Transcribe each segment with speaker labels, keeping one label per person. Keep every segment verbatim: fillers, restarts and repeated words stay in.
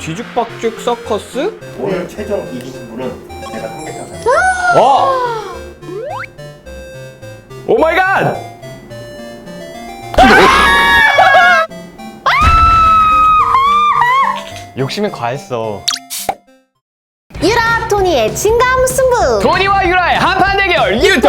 Speaker 1: 뒤죽박죽 서커스?
Speaker 2: 오늘 최종 이기신 분은 제가 삼계탕 사
Speaker 1: 어! 오 마이 갓! 욕심이 과했어.
Speaker 3: 유라 토니의 진감 승부.
Speaker 1: 토니와 유라의 한판 대결 유통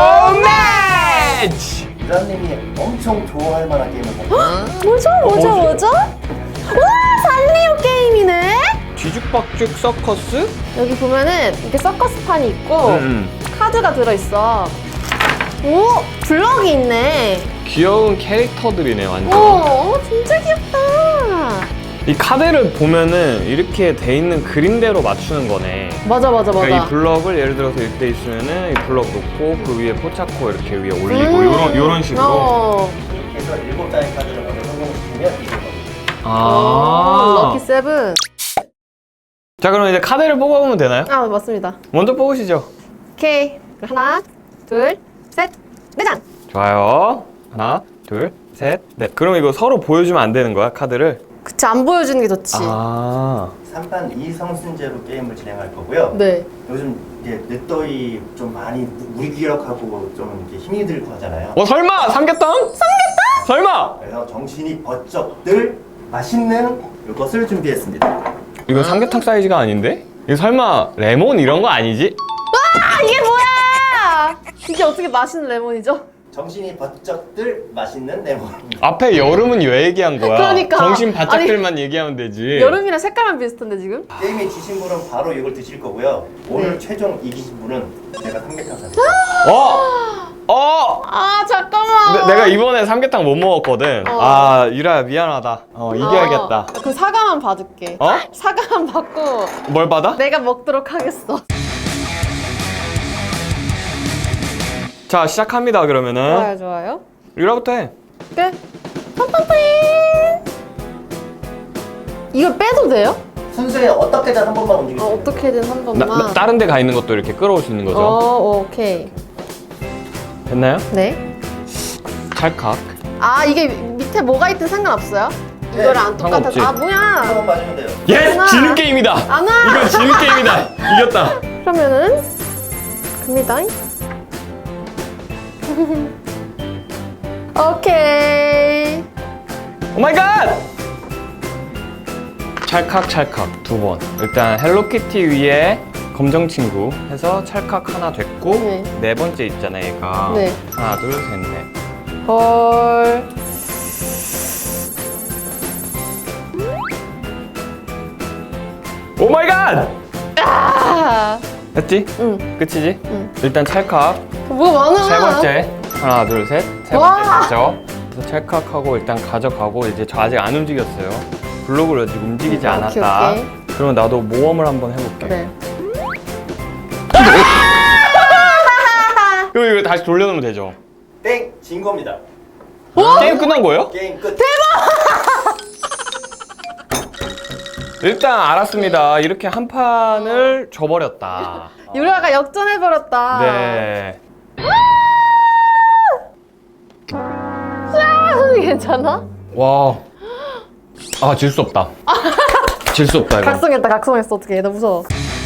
Speaker 1: 매치!
Speaker 2: 유라님이 엄청 좋아할 만한 게임을 가지고
Speaker 3: 뭐죠 뭐죠 뭐죠? 와 산리오 게임이네.
Speaker 1: 뒤죽박죽 서커스?
Speaker 3: 여기 보면은 이렇게 서커스판이 있고
Speaker 1: 음.
Speaker 3: 카드가 들어있어. 오 블럭이 있네.
Speaker 1: 귀여운 캐릭터들이네
Speaker 3: 오,
Speaker 1: 완전.
Speaker 3: 오 진짜 귀엽다.
Speaker 1: 이 카드를 보면은 이렇게 돼 있는 그림대로 맞추는 거네.
Speaker 3: 맞아 맞아 맞아.
Speaker 1: 그러니까 이 블럭을 예를 들어서 이렇게 있으면은 이 블럭 놓고 그 위에 포착코 이렇게 위에 올리고
Speaker 3: 음.
Speaker 1: 요런 요런 식으로.
Speaker 3: 어.
Speaker 2: 이렇게 해서 일곱 장의 카드를 먼저 성공시키면 이긴 겁니다.
Speaker 3: 오,
Speaker 1: 아.
Speaker 3: 럭키 세븐.
Speaker 1: 자 그럼 이제 카드를 뽑아보면 되나요?
Speaker 3: 아 맞습니다.
Speaker 1: 먼저 뽑으시죠.
Speaker 3: 오케이 하나 둘 셋 네 장.
Speaker 1: 좋아요. 하나, 둘, 셋, 넷. 그럼 이거 서로 보여주면 안 되는 거야 카드를?
Speaker 3: 그치 안 보여주는 게 좋지.
Speaker 1: 아.
Speaker 2: 삼 판 이 성승제로 게임을 진행할 거고요.
Speaker 3: 네.
Speaker 2: 요즘 이제 늦더위 좀 많이 무- 무기력하고 좀 이렇게 힘이 들고 하잖아요.
Speaker 1: 어 설마 삼계탕? 삼계탕? 설마?
Speaker 2: 그래서 정신이 번쩍 들 맛있는 이것을 준비했습니다.
Speaker 1: 이거 삼계탕 사이즈가 아닌데? 이거 설마 레몬 이런 거 아니지?
Speaker 3: 아 이게 뭐야? 이게 어떻게 맛있는 레몬이죠?
Speaker 2: 정신이 번쩍 들 맛있는 레몬입니다.
Speaker 1: 앞에 여름은 왜 얘기한 거야?
Speaker 3: 그러니까.
Speaker 1: 정신 바짝들만 얘기하면 되지.
Speaker 3: 여름이랑 색깔만 비슷한데 지금?
Speaker 2: 게임에 지신 분은 바로 이걸 드실 거고요. 오늘
Speaker 3: 네.
Speaker 2: 최종 이기신 분은 제가 삼계탕 사드릴게요.
Speaker 1: 어? 어?
Speaker 3: 아 잠깐만.
Speaker 1: 내, 내가 이번에 삼계탕 못 먹었거든.
Speaker 3: 어.
Speaker 1: 아 유라야 미안하다. 어 이겨야겠다.
Speaker 3: 어, 그 사과만 받을게.
Speaker 1: 어?
Speaker 3: 사과만 받고
Speaker 1: 뭘 받아?
Speaker 3: 내가 먹도록 하겠어.
Speaker 1: 자 시작합니다 그러면은.
Speaker 3: 좋아요 좋아요.
Speaker 1: 유라부터 해.
Speaker 3: 끝. 팡팡팡. 이걸 빼도 돼요?
Speaker 2: 순서에 어떻게든 한 번만
Speaker 3: 어,
Speaker 2: 움직이세요.
Speaker 3: 어떻게든 한
Speaker 1: 나,
Speaker 3: 번만.
Speaker 1: 나, 다른 데 가 있는 것도 이렇게 끌어올 수 있는 거죠.
Speaker 3: 어 오케이.
Speaker 1: 됐나요?
Speaker 3: 네.
Speaker 1: 찰칵.
Speaker 3: 아 이게 밑에 뭐가 있든 상관없어요?
Speaker 2: 네,
Speaker 3: 이거랑 안 똑같아서.
Speaker 1: 상관없지.
Speaker 3: 아 뭐야?
Speaker 2: 한번 맞으면 돼요.
Speaker 1: 예스!
Speaker 3: 하나.
Speaker 1: 지는 게임이다!
Speaker 3: 안 와.
Speaker 1: 이건 지는 게임이다! 이겼다!
Speaker 3: 그러면은 갑니다. 오케이.
Speaker 1: 오 마이 갓! 찰칵 찰칵 두 번. 일단 헬로키티 위에 검정 친구 해서 찰칵 하나 됐고
Speaker 3: 네.
Speaker 1: 네 번째 있잖아 얘가.
Speaker 3: 네.
Speaker 1: 하나 둘 셋 넷.
Speaker 3: 헐.
Speaker 1: 오 마이 갓!
Speaker 3: 아.
Speaker 1: 됐지?
Speaker 3: 응.
Speaker 1: 끝이지?
Speaker 3: 응.
Speaker 1: 일단 찰칵
Speaker 3: 뭐가 많아.
Speaker 1: 세 번째 하나 둘 셋 세 번째
Speaker 3: 와.
Speaker 1: 됐죠? 그래서 찰칵하고 일단 가져가고 이제 저 아직 안 움직였어요. 블록을 아직 움직이지
Speaker 3: 음,
Speaker 1: 않았다.
Speaker 3: 오케이,
Speaker 1: 그러면 나도 모험을 한번 해볼게.
Speaker 3: 그래.
Speaker 1: 그리고 이거 다시 돌려놓으면 되죠?
Speaker 2: 땡! 진 겁니다.
Speaker 1: 게임 끝난 거예요?
Speaker 2: 게임 끝.
Speaker 1: 일단 알았습니다. 이렇게 한 판을 져버렸다.
Speaker 3: 유라가 역전해버렸다.
Speaker 1: 네.
Speaker 3: 아, 괜찮아?
Speaker 1: 와. 아, 질 수 없다. 질 수 없다, 이거.
Speaker 3: 각성했다 각성했어. 어떡해 나 무서워.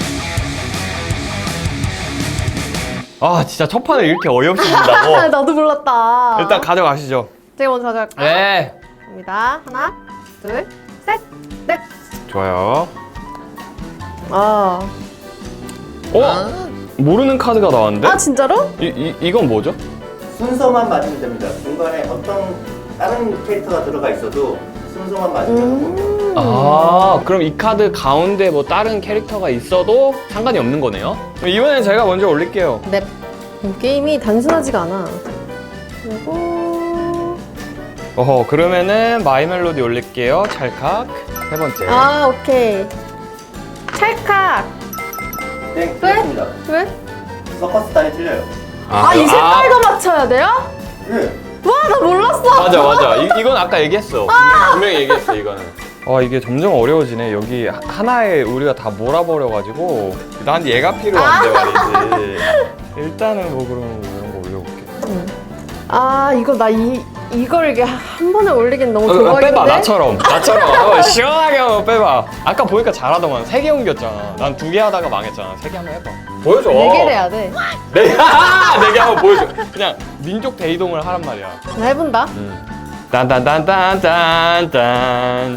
Speaker 1: 아, 진짜 첫 판을 이렇게 어이없이
Speaker 3: 아,
Speaker 1: 진다고?
Speaker 3: 나도 몰랐다.
Speaker 1: 일단 가져가시죠.
Speaker 3: 제가 먼저 가져갈까요?
Speaker 1: 네.
Speaker 3: 갑니다. 하나 둘셋넷.
Speaker 1: 좋아요.
Speaker 3: 아.
Speaker 1: 어? 모르는 카드가 나왔는데?
Speaker 3: 아 진짜로?
Speaker 1: 이, 이, 이건 뭐죠?
Speaker 2: 순서만 맞으면 됩니다. 중간에 어떤 다른 캐릭터가 들어가 있어도 순서만 맞으면 됩니다.
Speaker 3: 음.
Speaker 1: 아, 그럼 이 카드 가운데 뭐 다른 캐릭터가 있어도 상관이 없는 거네요? 그럼 이번엔 제가 먼저 올릴게요.
Speaker 3: 네. 이 게임이 단순하지가 않아. 그리고
Speaker 1: 어허, 그러면은 마이 멜로디 올릴게요. 찰칵. 세 번째.
Speaker 3: 아 오케이. 찰칵.
Speaker 2: 땡!
Speaker 3: 왜?
Speaker 2: 틀렸습니다.
Speaker 3: 왜?
Speaker 2: 서커스 단이 틀려요.
Speaker 3: 아 이 색깔도 맞춰야 돼요?
Speaker 2: 네.
Speaker 3: 와 나 몰랐어.
Speaker 1: 맞아, 맞아. 이, 이건 아까 얘기했어. 분명히 얘기했어, 이거는. 아, 이게 점점 어려워지네. 여기 하- 하나에 우리가 다 몰아버려가지고. 난 얘가 필요한데 말이지. 일단은 뭐 그럼 뭐 이런 거 올려볼게.
Speaker 3: 아 이거 나 이 이걸 이게 한 번에 올리긴 너무
Speaker 1: 어,
Speaker 3: 조각인데?
Speaker 1: 빼봐 나처럼 나처럼 한번 시원하게 한번 빼봐. 아까 보니까 잘하더만. 세 개 옮겼잖아. 난 두 개 하다가 망했잖아. 세 개 한번 해봐. 보여줘.
Speaker 3: 네 개를 해야 돼.
Speaker 1: 네 개. 네 개 한번 보여줘. 그냥 민족 대이동을 하란 말이야.
Speaker 3: 나 해본다.
Speaker 1: 음. 딴딴딴딴딴딴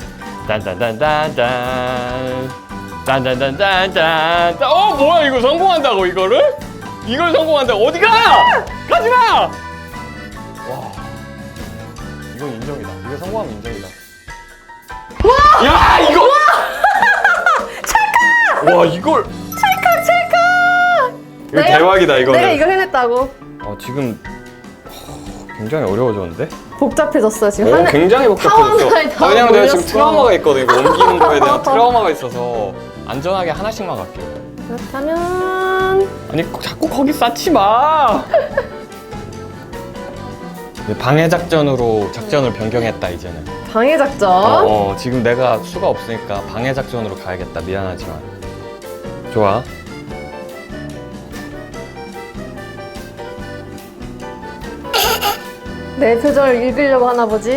Speaker 1: 딴딴딴딴딴 딴딴딴딴딴. 어 뭐야 이거 성공한다고 이거를? 이걸 성공한다고 어디가? 가지마! 와 이건 인정이다. 이거 성공하면 인정이다. 와! 야 이거! 찰칵! 와 이걸
Speaker 3: 찰칵 찰칵!
Speaker 1: 이거
Speaker 3: 내가-
Speaker 1: 대박이다 이거는.
Speaker 3: 내가 이걸 해냈다고.
Speaker 1: 어 지금 굉장히 어려워졌는데?
Speaker 3: 복잡해졌어 지금.
Speaker 1: 오,
Speaker 3: 하나-
Speaker 1: 굉장히
Speaker 3: 타원
Speaker 1: 복잡해졌어.
Speaker 3: 하나에 다
Speaker 1: 아, 왜냐면 내가 지금
Speaker 3: 몰렸어.
Speaker 1: 트라우마가 있거든. 이거 옮기는 거에 대한 트라우마가 있어서 안전하게 하나씩만 갈게요.
Speaker 3: 그렇다면
Speaker 1: 아니 꼭 자꾸 거기 쌓지 마. 이제 방해 작전으로 작전을 변경했다 이제는.
Speaker 3: 방해 작전.
Speaker 1: 어, 어, 지금 내가 수가 없으니까 방해 작전으로 가야겠다. 미안하지만. 좋아.
Speaker 3: 내 표정을 읽으려고 하나 보지.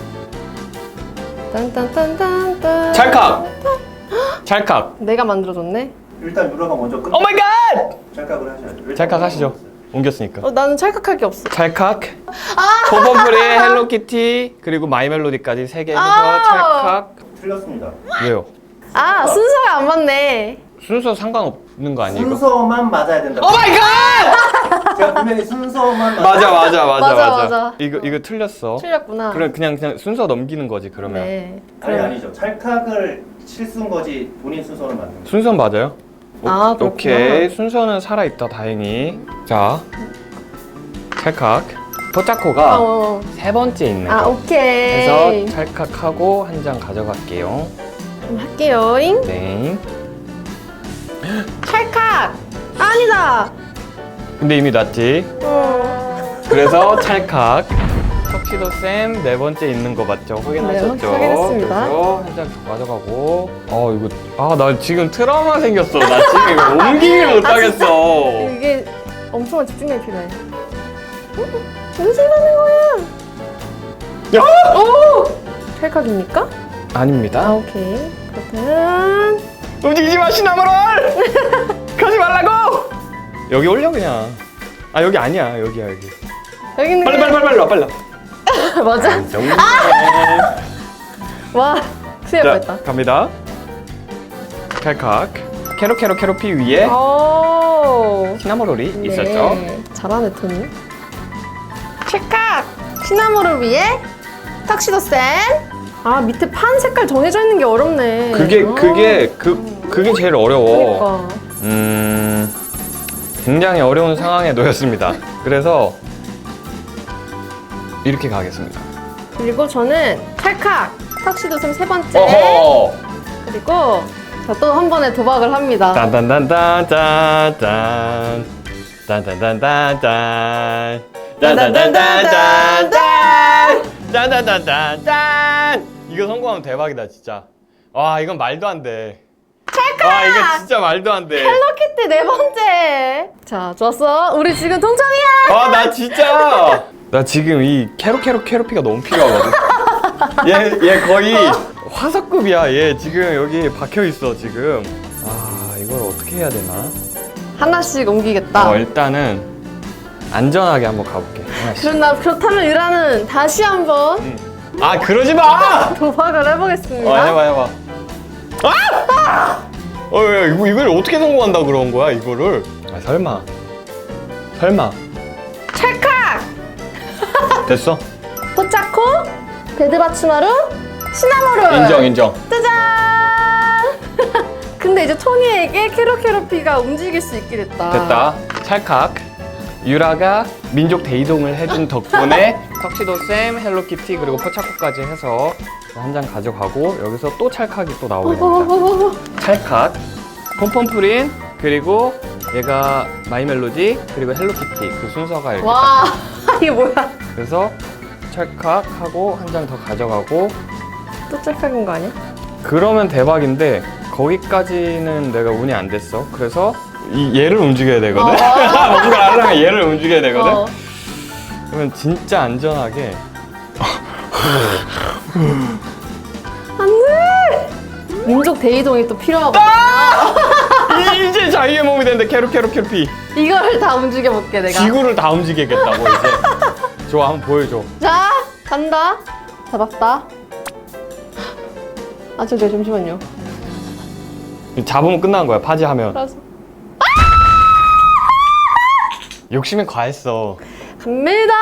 Speaker 3: 딴딴딴딴딴.
Speaker 1: 찰칵. 찰칵.
Speaker 3: 내가 만들어줬네.
Speaker 2: 일단 유라가 먼저 끝.
Speaker 1: 오 마이 갓.
Speaker 2: 찰칵을 하셔야죠.
Speaker 1: 찰칵 하시죠. 옮겼으니까.
Speaker 3: 어, 나는 찰칵할 게 없어.
Speaker 1: 찰칵, 포범프리, 헬로키티, 그리고 마이멜로디까지 세 개 해서
Speaker 3: 아.
Speaker 1: 찰칵.
Speaker 2: 틀렸습니다.
Speaker 1: 왜요?
Speaker 3: 아 순서가 안 맞네.
Speaker 1: 순서 상관없는 거 아니에요? 이거?
Speaker 2: 순서만 맞아야 된다.
Speaker 1: 오 마이 갓!
Speaker 2: 제가 분명히 순서만
Speaker 1: 맞아 맞아 맞아
Speaker 3: 맞아,
Speaker 1: 맞아.
Speaker 3: 맞아.
Speaker 1: 이거 이거 틀렸어.
Speaker 3: 틀렸구나.
Speaker 1: 그럼 그냥 그냥 순서 넘기는 거지 그러면.
Speaker 3: 네.
Speaker 2: 아니 아니죠. 찰칵을 실수인 거지 본인 순서를 맞는 거죠.
Speaker 1: 순서 맞아요? 오,
Speaker 3: 아, 그렇구나.
Speaker 1: 오케이 순서는 살아 있다 다행히. 자, 찰칵. 포차코가
Speaker 3: 어.
Speaker 1: 세 번째 있는
Speaker 3: 아
Speaker 1: 거.
Speaker 3: 오케이.
Speaker 1: 해서 찰칵하고 한 장 가져갈게요.
Speaker 3: 그럼 할게요잉.
Speaker 1: 네.
Speaker 3: 찰칵. 아니다.
Speaker 1: 근데 이미 났지.
Speaker 3: 어.
Speaker 1: 그래서 찰칵. 턱시도 쌤 네 번째 있는 거 맞죠? 확인하셨죠?
Speaker 3: 네, 확인했습니다.
Speaker 1: 그래서 한 장 가져가고. 어 이거 아 나 지금 트라우마 생겼어. 나 지금 이거 옮기질 못하겠어.
Speaker 3: 이게 엄청난 집중력이 필요해. 무슨 하는 거야?
Speaker 1: 야!
Speaker 3: 오! 찰칵입니까? 아
Speaker 1: 아닙니다.
Speaker 3: 오케이. 그렇다면
Speaker 1: 움직이지 마 시나모롤. 가지 말라고. 여기 올려 그냥. 아 여기 아니야 여기야 여기.
Speaker 3: 여기는
Speaker 1: 빨리 빨리 빨리 빨리 와 빨리. 와.
Speaker 3: 맞아? 와 큰일 날
Speaker 1: 자
Speaker 3: 뻔했다.
Speaker 1: 갑니다. 찰칵. 캐로 캐로 캐로피 위에
Speaker 3: 오.
Speaker 1: 시나모롤이
Speaker 3: 네.
Speaker 1: 있었죠.
Speaker 3: 잘하네 토니. 찰칵. 시나모를 위해 턱시도 쌤. 아 밑에 판 색깔 정해져 있는 게 어렵네.
Speaker 1: 그게
Speaker 3: 아.
Speaker 1: 그게 그 그게 제일 어려워.
Speaker 3: 그러니까.
Speaker 1: 음 굉장히 어려운 상황에 놓였습니다. 그래서 이렇게 가겠습니다.
Speaker 3: 그리고 저는 찰칵. 턱시도 쌤 세 번째.
Speaker 1: 어허.
Speaker 3: 그리고 또 한 번에 도박을 합니다.
Speaker 1: 딴딴딴딴딴 딴딴딴딴딴 딴딴딴딴딴 딴딴딴딴딴. 이거 성공하면 대박이다 진짜. 와 이건 말도 안 돼.
Speaker 3: 찰칵!
Speaker 1: 와 이거 진짜 말도 안 돼.
Speaker 3: 헬로키티 네 번째. 자, 좋았어. 우리 지금 동점이야.
Speaker 1: 아 나 진짜 나 지금 이 캐로 캐로 캐로피가 너무 필요하거든. 얘 얘 거의 화석급이야. 얘 지금 여기 박혀 있어 지금. 아 이걸 어떻게 해야 되나?
Speaker 3: 하나씩 옮기겠다.
Speaker 1: 어 일단은 안전하게 한번 가볼게. 하나씩.
Speaker 3: 그렇나 그렇다면 유라는 다시 한번
Speaker 1: 응. 아 그러지 마.
Speaker 3: 도박을 해보겠습니다.
Speaker 1: 어 해봐 해봐. 아! 어 야, 이거 이걸 어떻게 성공한다 그런 거야 이거를? 아 설마 설마
Speaker 3: 찰칵.
Speaker 1: 됐어?
Speaker 3: 포차코, 베드바치마루, 시나모롤.
Speaker 1: 인정 인정.
Speaker 3: 짜잔. 근데 이제 토니에게 캐로캐로피가 움직일 수 있게 됐다.
Speaker 1: 됐다. 찰칵. 유라가 민족 대이동을 해준 덕분에 턱시도 쌤, 헬로키티 그리고 포차코까지 해서 한 장 가져가고 여기서 또 찰칵이 또 나오게 됩니다.
Speaker 3: 어어어어.
Speaker 1: 찰칵, 폼폼프린 그리고 얘가 마이멜로디 그리고 헬로키티 그 순서가 이렇게
Speaker 3: 와
Speaker 1: 딱
Speaker 3: 이게 뭐야?
Speaker 1: 그래서 찰칵하고 한 장 더 가져가고
Speaker 3: 또 찰칵인 거 아니야?
Speaker 1: 그러면 대박인데 거기까지는 내가 운이 안 됐어. 그래서 이 얘를 움직여야 되거든.
Speaker 3: 어.
Speaker 1: 뭔가 하려면 얘를 움직여야 되거든.
Speaker 3: 어.
Speaker 1: 그러면 진짜 안전하게
Speaker 3: 안돼. 민족 대이동이 또 필요하거든요.
Speaker 1: 이- 이제 자기의 몸이 되는데 캐로 캐로 캐로피.
Speaker 3: 이걸 다 움직여 볼게 내가.
Speaker 1: 지구를 다 움직이겠다고 이제. 좋아, 한번 보여줘.
Speaker 3: 자, 간다. 잡았다. 아, 저, 저, 잠시만요.
Speaker 1: 잡으면 끝나는 거야, 파지하면.
Speaker 3: 알았어.
Speaker 1: 욕심이 과했어.
Speaker 3: 갑니다.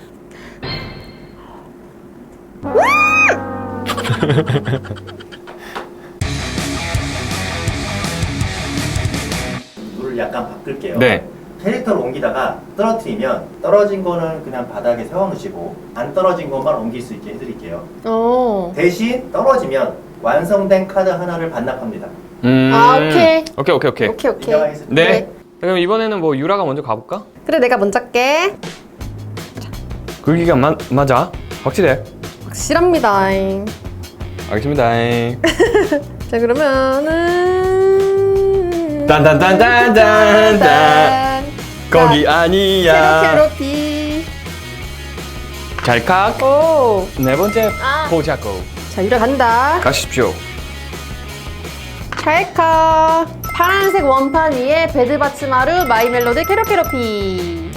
Speaker 2: 룰을 약간 바꿀게요.
Speaker 1: 네.
Speaker 2: 캐릭터를 옮기다가 떨어뜨리면 떨어진 거는 그냥 바닥에 세워놓으시고 안 떨어진 것만 옮길 수 있게 해드릴게요.
Speaker 3: 어.
Speaker 2: 대신 떨어지면 완성된 카드 하나를 반납합니다.
Speaker 1: 음.
Speaker 3: 아, 오케이.
Speaker 1: 오케이, 오케이, 오케이.
Speaker 3: 오케이, 오케이.
Speaker 2: 인정하겠습니다.
Speaker 1: 네.
Speaker 3: 네.
Speaker 1: 그럼 이번에는 뭐 유라가 먼저 가볼까?
Speaker 3: 그래, 내가 먼저 할게.
Speaker 1: 굵기가 마, 맞아. 확실해.
Speaker 3: 확실합니다.
Speaker 1: 알겠습니다.
Speaker 3: 자, 그러면은.
Speaker 1: 딴딴딴딴딴딴. 거기 아니야.
Speaker 3: 캐로캐로피.
Speaker 1: 잘칵.
Speaker 3: 오.
Speaker 1: 네 번째
Speaker 3: 아.
Speaker 1: 보자고.
Speaker 3: 자, 유라 간다.
Speaker 1: 가십시오.
Speaker 3: 찰칵. 파란색 원판 위에 베드바츠마루 마이멜로디 캐로캐로피.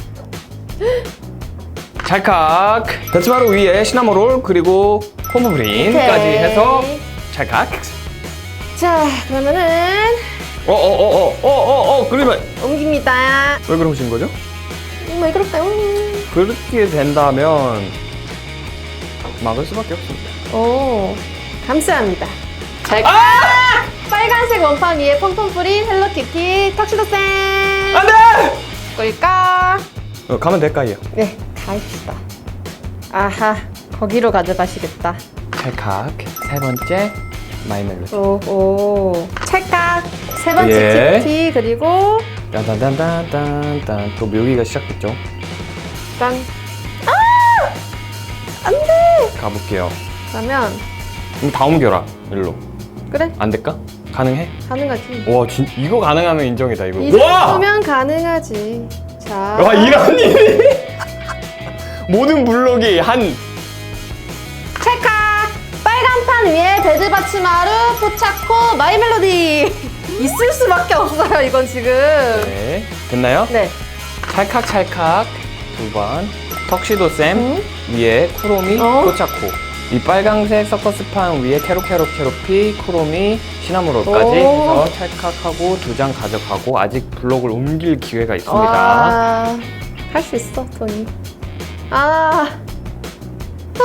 Speaker 1: 찰칵. 배츠마루 위에 시나모롤 그리고 콤브린까지
Speaker 3: 오케이.
Speaker 1: 해서 찰칵.
Speaker 3: 자, 그러면은
Speaker 1: 어어어어어어어 그러면
Speaker 3: 옮깁니다.
Speaker 1: 왜 그러신 거죠?
Speaker 3: 음, 왜 그럴까요?
Speaker 1: 그렇게 된다면 막을 수밖에 없습니다.
Speaker 3: 오, 감사합니다. 찰칵. 빨간색 원판 위에 펑펑 뿌린 헬로키티 턱시도 쌤.
Speaker 1: 안돼!
Speaker 3: 꿀까?
Speaker 1: 어, 가면 될까요?
Speaker 3: 네, 가입시다. 아하, 거기로 가져가시겠다.
Speaker 1: 찰칵. 세 번째 마이멜로디.
Speaker 3: 오, 오. 찰칵. 세 번째
Speaker 1: 예.
Speaker 3: 티피 그리고
Speaker 1: 딴딴딴딴딴 또 묘기가 시작됐죠.
Speaker 3: 짠. 아! 안 돼!
Speaker 1: 가볼게요.
Speaker 3: 그러면
Speaker 1: 그럼 다 옮겨라 일로.
Speaker 3: 그래,
Speaker 1: 안 될까? 가능해?
Speaker 3: 가능하지.
Speaker 1: 와, 진 이거 가능하면 인정이다 이거.
Speaker 3: 이
Speaker 1: 와!
Speaker 3: 정도면 가능하지. 자.
Speaker 1: 와, 이런 일이 모든 블록이 한
Speaker 3: 찰칵! 빨간 판 위에 베드바츠마루 포차코 마이멜로디. 있을 수밖에 없어요, 이건 지금.
Speaker 1: 네. 됐나요?
Speaker 3: 네.
Speaker 1: 찰칵 찰칵 두 번. 턱시도 쌤
Speaker 3: 음?
Speaker 1: 위에 쿠로미
Speaker 3: 어?
Speaker 1: 포차코. 이 빨강색 서커스판 위에 캐로 캐로 캐로피 쿠로미 시나무로까지
Speaker 3: 오.
Speaker 1: 해서 찰칵하고 두 장 가져가고 아직 블록을 옮길 기회가 있습니다.
Speaker 3: 와, 할 수 있어, 토니. 아. 아.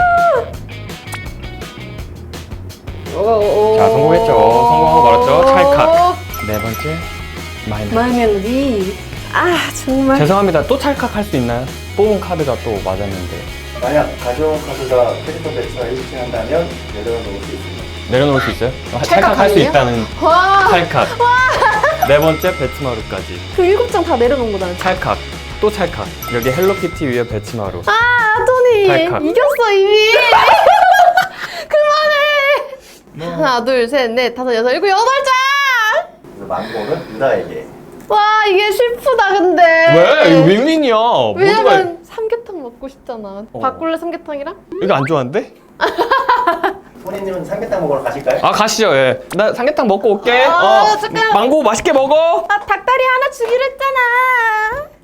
Speaker 3: 오, 오.
Speaker 1: 자, 성공했죠. 성공하고 말았죠. 찰칵. 네 번째 마이너.
Speaker 3: 마이 멜로디. 아, 정말.
Speaker 1: 죄송합니다. 또 찰칵 할 수 있나요? 뽑은 카드가 또 맞았는데.
Speaker 2: 만약 가져온 카드가 캐릭터 배치가 일치한다면 내려놓을 수 있습니다.
Speaker 1: 내려놓을 수 있어요? 아,
Speaker 3: 찰칵
Speaker 1: 찰칵 할 수
Speaker 3: 아니에요?
Speaker 1: 있다는
Speaker 3: 와,
Speaker 1: 찰칵. 네 번째 배츠마루까지.
Speaker 3: 그 일곱 장 다 내려놓은 거잖아.
Speaker 1: 찰칵. 또 찰칵. 여기 헬로키티 위에 배츠마루.
Speaker 3: 아, 토니.
Speaker 1: 찰칵.
Speaker 3: 이겼어, 이미. 그만해. 하나, 둘, 셋, 넷, 다섯, 여섯, 일곱, 여덟 장!
Speaker 2: 그래서 망고는 유다에게.
Speaker 3: 와, 이게 슬프다, 근데.
Speaker 1: 왜? 이거 윈윈이야. 모두가
Speaker 3: 왜냐면 삼계탕 먹고 싶잖아.
Speaker 1: 어.
Speaker 3: 바꿀래, 삼계탕이랑?
Speaker 1: 이거 안 좋아하는데?
Speaker 2: 토니님은 삼계탕 먹으러 가실까요?
Speaker 1: 아, 가시죠. 예. 나 삼계탕 먹고 올게.
Speaker 3: 아, 잠깐만.
Speaker 1: 망고 맛있게 먹어.
Speaker 3: 아, 닭다리 하나 주기로 했잖아.